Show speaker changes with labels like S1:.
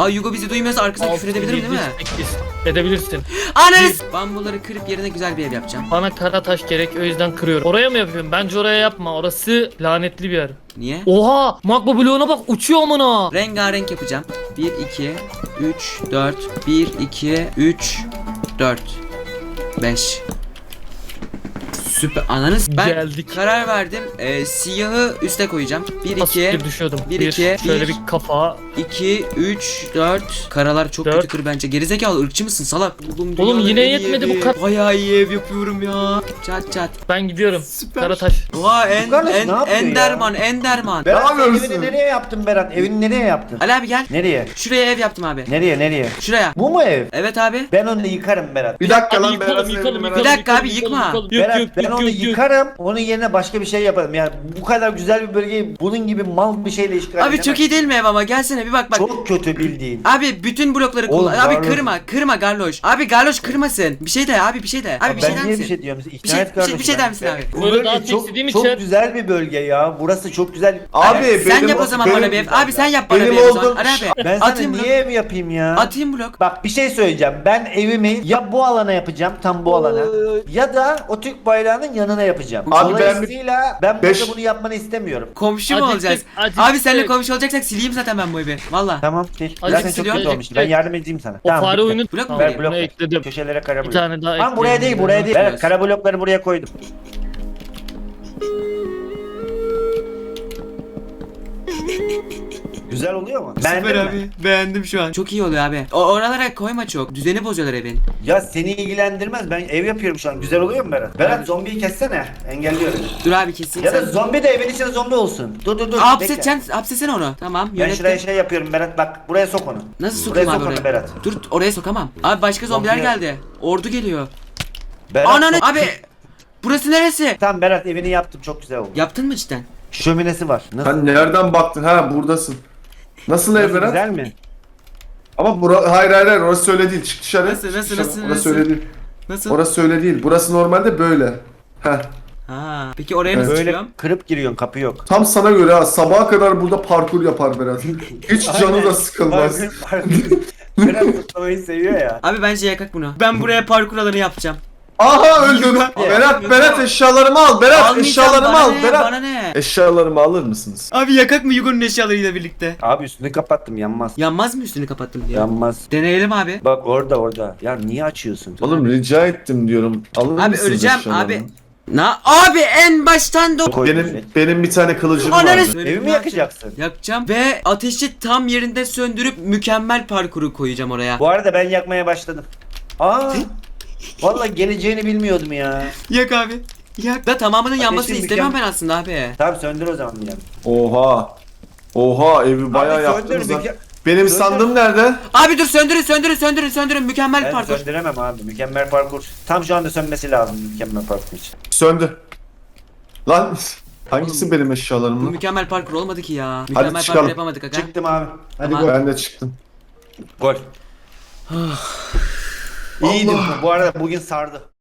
S1: Aa Yugo bizi duymuyorsa arkasına küfür edebilirim değil mi?
S2: 8 edebilirsin.
S1: Ananız! Bambuları kırıp yerine güzel bir ev yapacağım.
S2: Bana kara taş gerek, o yüzden kırıyorum. Oraya mı yapıyorum? Bence oraya yapma. Orası lanetli bir yer.
S1: Niye?
S2: Oha! Magma bloğuna bak, uçuyor amına.
S1: Rengarenk yapacağım. 1, 2, 3, 4. 1, 2, 3, 4, 5. Süper. Ananız. Ben
S2: Geldik.
S1: karar verdim. Siyahı üste koyacağım. 1, 2,
S2: Asiktir düşüyordum.
S1: 1, 2,
S2: şöyle bir kafa.
S1: 2, 3, 4. Karalar çok
S2: Dört.
S1: kötü kır bence. Gerizekalı ırkçı mısın salak?
S2: Oğlum
S1: dünyanın
S2: yine
S1: en iyi
S2: yetmedi
S1: evi.
S2: bu kadar.
S1: Bayağı iyi ev yapıyorum ya. Çat çat.
S2: Ben gidiyorum.
S1: Süper.
S2: Kara taş.
S1: Oha
S3: Bu kardeş ne yapıyor
S1: Enderman Enderman.
S3: Berat
S4: yapıyorsun?
S3: evini nereye yaptın Berat? Evini nereye yaptın?
S1: Ali abi gel.
S3: Nereye?
S1: Şuraya ev yaptım abi.
S3: Nereye?
S1: Şuraya.
S3: Bu mu ev?
S1: Evet abi.
S3: Ben onu yıkarım Berat.
S4: Bir dakika
S2: Hadi
S4: lan
S2: yıkalım,
S4: Berat'ın
S2: yıkalım,
S4: evini
S2: yıkalım,
S1: Bir dakika abi,
S2: yıkalım,
S1: yıkma.
S2: yıkalım.
S3: Berat ben onu yıkarım. Onun yerine başka bir şey yaparım. Yani bu kadar güzel bir bölgeyi bunun gibi mal bir şeyle işgal
S1: Abi
S3: edemem.
S1: çok iyi değil mi ev ama gelsene bir bak bak.
S3: Çok kötü bildiğin.
S1: Abi bütün blokları
S3: Oğlum,
S1: kullan. Abi
S3: Garloş.
S1: kırma Garloş. Abi Garloş kırmasın. Bir şey de abi bir şey de. Abi bir şey
S3: Ben
S1: der
S3: niye
S1: misin?
S3: bir şey diyorum?
S1: Bir şey der misin abi?
S3: Bu
S2: Böyle daha
S3: bölge çok,
S2: istediğim
S3: çok
S2: için-
S3: güzel bir bölge ya. Burası çok güzel.
S4: Abi
S1: Sen
S4: benim-
S1: yap o zaman
S4: benim-
S1: bana bir ev. Abi sen yap bana
S4: benim
S1: bir ev o zaman.
S4: olduğum-
S1: Ali abi.
S3: Ben sana
S1: Atayım blok.
S3: niye ev yapayım ya?
S1: Atayım blok.
S3: Bak bir şey söyleyeceğim. Ben evimi ya bu alana yapacağım, tam bu alana. Ya da o Türk bayrağının yanına yapacağım.
S4: Abi ben
S3: Dolayısıyla ben burada
S4: beş-
S3: bunu yapmanı istemiyorum.
S1: Komşu mu
S2: Acıktık,
S1: olacağız?
S2: acıktık.
S1: Abi seninle komşu olacaksak sileyim zaten ben bu evi. Valla.
S3: Tamam. Zaten çok
S1: siliyorum.
S3: kötü olmuş. Ben yardım edeyim sana.
S2: O fare
S3: bitti.
S2: oyunu
S1: Blok mu
S2: Tamam,
S1: vereyim?
S3: Ver blok.
S2: bunu ekledim.
S3: Köşelere kara
S2: Bir
S3: blok.
S2: tane daha
S3: Tamam buraya değil, buraya değil.
S1: Biraz.
S3: Evet, kara blokları buraya koydum. Güzel oluyor mu? Beğendin mi?
S1: Beğendim şu an. Çok iyi oluyor abi. Oralara koyma çok. Düzeni bozuyorlar evin.
S3: Ya seni ilgilendirmez. Ben ev yapıyorum şu an. Güzel oluyor mu Berat? Berat zombiyi kessene. Engelliyorum.
S1: Dur abi keseyim
S3: Ya da
S1: sen.
S3: zombi de evin içinde zombi olsun. Dur. bekle.
S1: Hapsetsene onu. Tamam
S3: Ben şuraya
S1: yönettim.
S3: şey yapıyorum Berat, bak buraya sok onu.
S1: Nasıl
S3: Buraya
S1: sokayım abi
S3: sok onu
S1: oraya?
S3: Berat.
S1: Dur oraya sokamam. Abi başka zombiler
S3: Zombiye-
S1: geldi. Ordu geliyor.
S3: Berat
S1: Ananı
S3: sok-
S1: abi. Burası neresi?
S3: Tamam Berat evini yaptım, çok güzel oldu.
S1: Yaptın mı cidden?
S3: Şöminesi var. Nasıl?
S4: Sen nereden baktın? Ha buradasın. Nasıl ev
S3: Nasıl,
S4: Berat?
S3: güzel mi?
S4: Ama hayır orası öyle değil. Çık dışarı.
S1: Nasıl,
S4: Çık
S1: nasıl,
S4: dışarı.
S1: nasıl,
S4: Orası
S1: nasıl?
S4: öyle değil.
S1: Nasıl?
S4: Orası öyle değil. Burası normalde böyle. Heh.
S1: Ha. Peki oraya nasıl
S3: Böyle
S1: çıkıyorum?
S3: kırıp giriyorsun, kapı yok.
S4: Tam sana göre ha. Sabaha kadar burada parkur yapar Berat. Hiç canı da sıkılmaz.
S3: Berat tutlamayı seviyor ya.
S1: Abi bence yakak bunu. Ben buraya parkur alanı yapacağım.
S4: Aha öldüm.
S1: Yugo.
S4: Berat eşyalarımı al. Berat
S1: Almayacağım,
S4: eşyalarımı
S1: bana
S4: al.
S1: ne,
S4: Berat.
S1: Bana ne?
S4: Eşyalarımı alır mısınız?
S1: Abi yakak mı Yugo'nun eşyalarıyla birlikte?
S3: Abi üstünü kapattım, yanmaz.
S1: Yanmaz mı üstünü kapattım diye?
S3: Yanmaz.
S1: Deneyelim abi.
S3: Bak orada. Ya niye açıyorsun?
S4: Oğlum rica ettim diyorum. Alır
S1: Abi
S4: mısınız
S1: öleceğim
S4: eşyalarımı?
S1: abi. Abi en baştan da
S4: Benim bir tane kılıcım
S1: Ananı
S4: vardı.
S3: Evimi yakacaksın.
S1: Yakacağım ve ateşi tam yerinde söndürüp mükemmel parkuru koyacağım oraya.
S3: Bu arada ben yakmaya başladım. Aa. Vallahi geleceğini bilmiyordum ya.
S1: Yak abi. Yak. Da tamamının yanmasını
S3: Ateşin
S1: istemem ben aslında abi.
S3: Tamam söndür o zaman yani.
S4: Oha evi bayağı
S3: Abi
S4: yaptınız
S3: söndür,
S4: lan. Benim
S3: söndür.
S4: sandığım nerede?
S1: Abi dur söndürün mükemmel
S3: Ben
S1: parkur.
S3: söndüremem abi. Mükemmel parkur. Tam şu anda sönmesi lazım mükemmel parkur için.
S4: Söndü. Lan hangisi benim eşyalarım
S1: Bu
S4: lan?
S1: mükemmel parkur olmadı ki ya. Mükemmel parkur
S4: çıkalım.
S1: yapamadık aga.
S3: Çıktım abi. Hadi
S1: Tamam.
S3: gol.
S4: Ben de çıktım.
S3: Gol. İyiydi bu. Bu arada bugün sardı.